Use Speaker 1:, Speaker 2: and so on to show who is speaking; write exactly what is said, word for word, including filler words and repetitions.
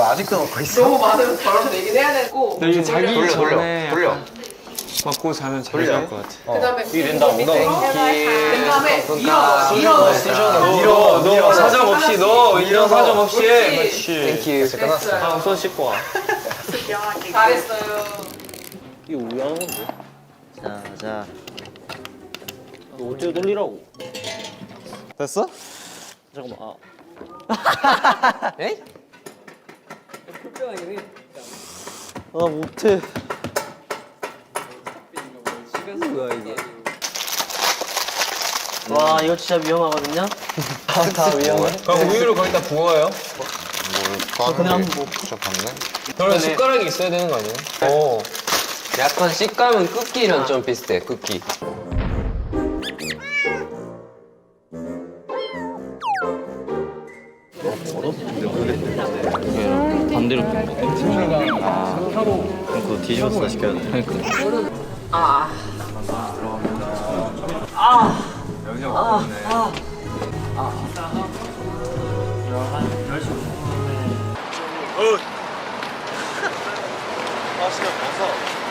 Speaker 1: 아직도 먹고 있어?
Speaker 2: 너무 많으면 바로 내긴 해야 되고.
Speaker 3: 이게 자기
Speaker 1: 돌려, 돌려,
Speaker 3: 전에
Speaker 1: 돌려.
Speaker 3: 먹고 자면 잘 잘 것 같아.
Speaker 2: 그다음에
Speaker 1: 이게 된다,
Speaker 2: 밑에
Speaker 1: 엉덩이.
Speaker 2: 된 다음에 밀어
Speaker 1: 쑤셔
Speaker 2: 밀어
Speaker 1: 넣어, 쑤셔 넣어.
Speaker 3: 밀어, 너 사정 없이 넣어. 이런 사정 없이.
Speaker 2: 그렇지.
Speaker 3: 그렇지.
Speaker 1: 끝났어.
Speaker 3: 다음 손 씻고 와.
Speaker 2: 잘했어요.
Speaker 4: 이거 우연한 건데?
Speaker 5: 자, 자.
Speaker 4: 너 어떻게 돌리라고?
Speaker 5: 됐어?
Speaker 4: 잠깐만. 아.
Speaker 5: 에이? 아, 못해. 뭐야, 이게? 와, 이거 진짜 위험하거든요?
Speaker 1: 다, 다 위험해.
Speaker 3: 그럼 우유를 거기다 부어요?
Speaker 1: 뭘
Speaker 5: 그냥
Speaker 1: 하는데
Speaker 5: 뭐-
Speaker 1: 저 봤네?
Speaker 3: 그러면 숟가락이 있어야 되는 거 아니에요? 오.
Speaker 6: 약간 식감은 쿠키랑 좀 비슷해, 쿠키.
Speaker 5: 반대로 먹어. 아, 그럼 그거 뒤집어서 시켜야 돼. 그러니까.
Speaker 1: 아, 진짜 벗어.